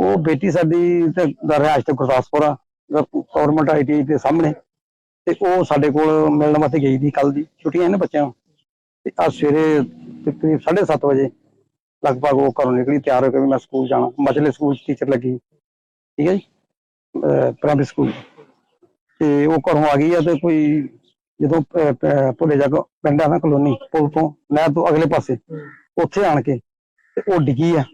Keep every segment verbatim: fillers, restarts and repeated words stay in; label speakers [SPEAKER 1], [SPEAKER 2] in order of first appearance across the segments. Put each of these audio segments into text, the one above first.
[SPEAKER 1] ਉਹ ਬੇਟੀ ਸਾਡੀ ਤੇ ਰਿਹਾਇਸ਼ ਤੇ ਗੁਰਦਾਸਪੁਰ ਆ, ਗਵਰਨਮੈਂਟ ਆਈ ਟੀ ਆਈ ਦੇ ਸਾਹਮਣੇ। ਤੇ ਉਹ ਸਾਡੇ ਕੋਲ ਮਿਲਣ ਵਾਸਤੇ ਗਈ ਸੀ ਕੱਲ ਦੀ, ਛੁੱਟੀਆਂ ਨੇ ਬੱਚਿਆਂ ਨੂੰ। ਤੇ ਅੱਜ ਸਵੇਰੇ ਤਕਰੀਬ ਸਾਢੇ ਸੱਤ ਵਜੇ ਲਗਭਗ ਉਹ ਘਰੋਂ ਨਿਕਲੀ, ਤਿਆਰ ਹੋ ਕੇ ਵੀ ਮੈਂ ਸਕੂਲ ਜਾਣਾ। ਮਚਲੇ ਸਕੂਲ ਚ ਟੀਚਰ ਲੱਗੀ, ਠੀਕ ਹੈ ਜੀ, ਪ੍ਰਾਇਮਰੀ ਸਕੂਲ। ਤੇ ਉਹ ਘਰੋਂ ਆ ਗਈ ਆ ਤੇ ਕੋਈ ਜਦੋਂ ਭੁੱਲੇ ਜਾ ਪਿੰਡ ਆ ਨਾ ਕਲੋਨੀ, ਪੁਲ ਤੋਂ ਨਹਿਰ ਤੋਂ ਅਗਲੇ ਪਾਸੇ, ਉੱਥੇ ਆਣ ਕੇ ਤੇ ਉਹ ਡਿੱਗੀ ਆ।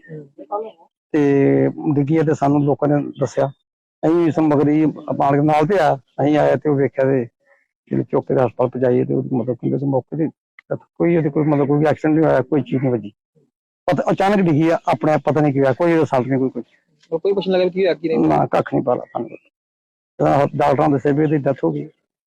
[SPEAKER 1] ਤੇ ਡਿੱਗੀ ਆ ਤੇ ਸਾਨੂੰ ਲੋਕਾਂ ਨੇ ਦੱਸਿਆ, ਅਸੀਂ ਸਮਗਰੀ ਪਾਣ ਕੇ ਨਾਲ ਤੇ ਆ ਅਸੀਂ ਆਏ ਤੇ ਉਹ ਵੇਖਿਆ ਤੇ ਜਿਹੜੇ ਚੁੱਕ ਕੇ ਹਸਪਤਾਲ ਪਹੁੰਚਾਈਏ ਤੇ ਮਤਲਬ ਕਿ ਮੌਕੇ ਤੇ ਕੋਈ ਉਹਦੇ ਕੋਈ ਮਤਲਬ ਕੋਈ ਐਕਸੀਡੈਂਟ ਨਹੀਂ ਹੋਇਆ, ਕੋਈ ਚੀਜ਼ ਨਹੀਂ ਵੱਜੀ। ਪਤਾ ਅਚਾਨਕ ਡਿੱਗੀ ਆ, ਆਪਣੇ ਆਪ ਪਤਾ ਨਹੀਂ ਕੀ ਹੋਇਆ, ਕੋਈ ਰਿਸਲਟ ਨਹੀਂ, ਕੋਈ ਕੁਝ
[SPEAKER 2] ਕੋਈ ਪੁੱਛਣ ਲੱਗਾ ਕੀ ਹੋਇਆ ਕੀ ਨਹੀਂ,
[SPEAKER 1] ਨਾ ਕੱਖ ਨਹੀਂ ਪਤਾ ਸਾਨੂੰ। ਡਾਕਟਰਾਂ ਦੱਸਿਆ ਵੀ ਇਹਦੀ ਡੈਥ ਹੋ ਗਈ।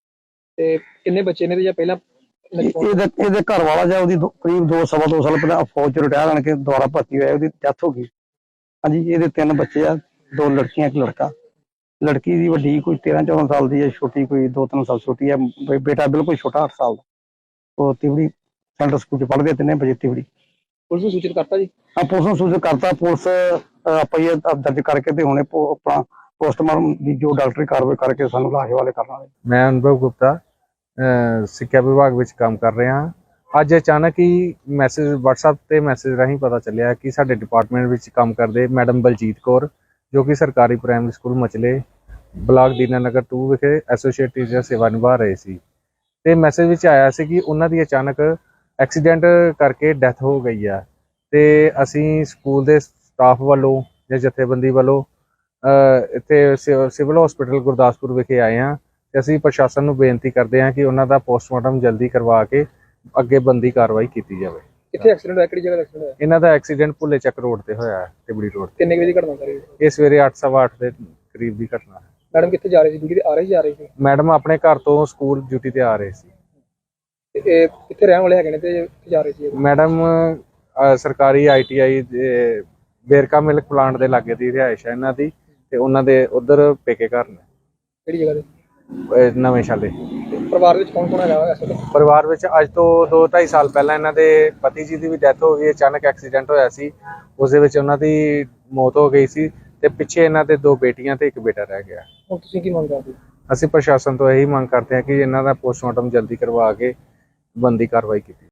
[SPEAKER 2] ਤੇ ਕਿੰਨੇ ਬੱਚੇ ਨੇ ਤੇ ਜਾਂ ਪਹਿਲਾਂ
[SPEAKER 1] ਇਹਦੇ ਇਹਦੇ ਘਰ ਵਾਲਾ ਜਾਂ ਉਹਦੀ ਕਰੀਬ ਦੋ ਸਵਾ ਦੋ ਸਾਲ ਪਹਿਲਾਂ ਫੌਜ ਚ ਰਿਟਾਇਰ ਆਣ ਕੇ ਦੁਬਾਰਾ ਭਰਤੀ ਹੋਇਆ, ਉਹਦੀ ਡੈਥ ਹੋ ਗਈ। ਹਾਂਜੀ, ਇਹਦੇ ਤਿੰਨ ਬੱਚੇ ਆ, ਦੋ ਲੜਕੀਆਂ ਇੱਕ ਲੜਕਾ। ਲੜਕੀ ਦੀ ਵੱਡੀ ਕੋਈ ਤੇਰਾਂ ਚੌਦਾਂ ਸਾਲ ਦੀ ਹੈ, ਛੋਟੀ ਕੋਈ ਦੋ ਤਿੰਨ ਸਾਲ ਛੋਟੀ ਹੈ। ਬੇਟਾ ਬਿਲਕੁਲ ਛੋਟਾ ਅੱਠ ਸਾਲ ਦਾ। ਉਹ ਤਿਵੜੀ ਸੈਂਟਰ ਸਕੂਲ ਚ ਪੜ੍ਹਦੇ ਤਿੰਨੇ ਬੱਚੇ ਤਿਵੜੀ।
[SPEAKER 2] ਪੁਲਿਸ ਨੂੰ ਸੂਚਿਤ ਕਰਤਾ ਜੀ?
[SPEAKER 1] ਹਾਂ, ਪੁਲਿਸ ਨੂੰ ਸੂਚਿਤ ਕਰਤਾ। ਪੁਲਿਸ ਪਈ ਦਰਜ ਕਰਕੇ ਤੇ ਹੁਣੇ ਆਪਣਾ ਪੋਸਟਮਾਰਟਮ ਦੀ ਜੋ ਡਾਕਟਰੀ ਕਾਰਵਾਈ ਕਰਕੇ ਸਾਨੂੰ ਲਾਸ਼ ਵਾਲੇ ਕਰਨ ਵਾਲੇ।
[SPEAKER 3] ਮੈਂ ਅਨੁਭਵ ਗੁਪਤਾ ਸਿੱਖਿਆ ਵਿਭਾਗ ਵਿੱਚ ਕੰਮ ਕਰ ਰਿਹਾ ਹਾਂ। ਅੱਜ ਅਚਾਨਕ ਹੀ ਮੈਸੇਜ WhatsApp ਤੇ ਮੈਸੇਜ ਰਾਹੀਂ ਪਤਾ ਚੱਲਿਆ ਕਿ ਸਾਡੇ ਡਿਪਾਰਟਮੈਂਟ ਵਿੱਚ ਕੰਮ ਕਰਦੇ ਮੈਡਮ ਬਲਜੀਤ ਕੌਰ, ਜੋ ਕਿ ਸਰਕਾਰੀ primary school Machhle block Dinanagar ਦੋ ਵਿਖੇ ਐਸੋਸੀਏਟ ਟੀਚਰ ਸੇਵਾ ਨਿਭਾ ਰਹੇ ਸੀ। ਤੇ ਮੈਸੇਜ ਵਿੱਚ ਆਇਆ ਸੀ ਕਿ ਉਹਨਾਂ ਦੀ ਅਚਾਨਕ ਐਕਸੀਡੈਂਟ ਕਰਕੇ ਡੈਥ ਹੋ ਗਈ ਆ। ਤੇ ਅਸੀਂ ਸਕੂਲ ਦੇ ਸਟਾਫ ਵੱਲੋਂ ਜਾਂ ਜਥੇਬੰਦੀ ਵੱਲੋਂ ਇੱਥੇ ਸਿਵਲ ਹਸਪੀਟਲ ਗੁਰਦਾਸਪੁਰ ਵਿਖੇ ਆਏ ਹਾਂ। ਤੇ ਅਸੀਂ ਪ੍ਰਸ਼ਾਸਨ ਨੂੰ ਬੇਨਤੀ ਕਰਦੇ ਹਾਂ ਕਿ ਉਹਨਾਂ ਦਾ ਪੋਸਟਮਾਰਟਮ ਜਲਦੀ ਕਰਵਾ ਕੇ ਅੱਗੇ ਬਣਦੀ ਕਾਰਵਾਈ ਕੀਤੀ ਜਾਵੇ।
[SPEAKER 2] ਕਿੱਥੇ ਐਕਸੀਡੈਂਟ ਹੋਇਆ, ਕਿਹੜੀ ਜਗ੍ਹਾ ਐਕਸੀਡੈਂਟ ਹੋਇਆ?
[SPEAKER 3] ਇਹਨਾਂ ਦਾ ਐਕਸੀਡੈਂਟ ਭੁੱਲੇ ਚੱਕ ਰੋਡ ਤੇ ਹੋਇਆ ਹੈ, ਤਿਬੜੀ ਰੋਡ ਤੇ।
[SPEAKER 2] ਕਿੰਨੇ ਵਜੇ ਦੀ ਘਟਨਾ ਸਾਰੀ?
[SPEAKER 3] ਇਹ ਸਵੇਰੇ ਅੱਠ ਸਵਾ ਅੱਠ ਦੇ ਕਰੀਬ ਦੀ ਘਟਨਾ ਹੈ।
[SPEAKER 2] ਮੈਡਮ ਕਿੱਥੇ ਜਾ ਰਹੀ ਸੀ, ਡਿਊਟੀ ਤੇ ਆ ਰਹੀ ਜਾ ਰਹੀ ਸੀ?
[SPEAKER 3] ਮੈਡਮ ਆਪਣੇ ਘਰ ਤੋਂ ਸਕੂਲ ਡਿਊਟੀ ਤੇ ਆ ਰਹੇ ਸੀ।
[SPEAKER 2] ਤੇ ਇਹ ਕਿੱਥੇ ਰਹਿਣ ਵਾਲੇ ਹੈਗੇ ਨੇ ਤੇ ਕਿੱਥੇ ਜਾ ਰਹੇ ਸੀ?
[SPEAKER 3] ਮੈਡਮ ਸਰਕਾਰੀ ਆਈ ਟੀ ਆਈ ਦੇ ਬੇਰਕਾ ਮਿਲਕ ਪਲਾਂਟ ਦੇ ਲਾਗੇ ਦੀ ਰਿਹਾਇਸ਼ ਹੈ ਇਹਨਾਂ ਦੀ, ਤੇ ਉਹਨਾਂ ਦੇ ਉਧਰ ਪੇਕੇ ਘਰ ਨੇ।
[SPEAKER 2] ਕਿਹੜੀ ਜਗ੍ਹਾ ਤੇ?
[SPEAKER 3] ਨਵੇਂ ਸ਼ਾਲੇ।
[SPEAKER 2] ਪਰਿਵਾਰ ਵਿੱਚ ਕੌਣ ਕੌਣ ਹੈਗਾ ਇਸ ਵੇਲੇ?
[SPEAKER 3] ਪਰਿਵਾਰ ਵਿੱਚ ਅੱਜ ਤੋਂ ਦੋ ਢਾਈ ਸਾਲ ਪਹਿਲਾਂ ਇਹਨਾਂ ਦੇ ਪਤੀ ਜੀ ਦੀ ਵੀ ਡੈਥ ਹੋ ਗਈ। ਅਚਾਨਕ ਐਕਸੀਡੈਂਟ ਹੋਇਆ ਸੀ, ਉਸ ਦੇ ਵਿੱਚ ਉਹਨਾਂ ਦੀ ਮੌਤ ਹੋ ਗਈ ਸੀ। ਤੇ ਪਿੱਛੇ ਇਹਨਾਂ ਦੇ ਦੋ ਬੇਟੀਆਂ ਤੇ ਇੱਕ ਬੇਟਾ ਰਹਿ ਗਿਆ।
[SPEAKER 2] ਹੁਣ ਤੁਸੀਂ ਕੀ ਮੰਗ ਕਰਦੇ?
[SPEAKER 3] ਅਸੀਂ ਪ੍ਰਸ਼ਾਸਨ ਤੋਂ ਇਹੀ ਮੰਗ ਕਰਦੇ ਹਾਂ ਕਿ ਇਹਨਾਂ ਦਾ ਪੋਸਟਮਾਰਟਮ ਜਲਦੀ ਕਰਵਾ ਕੇ ਬਣਦੀ ਕਾਰਵਾਈ ਕੀਤੀ।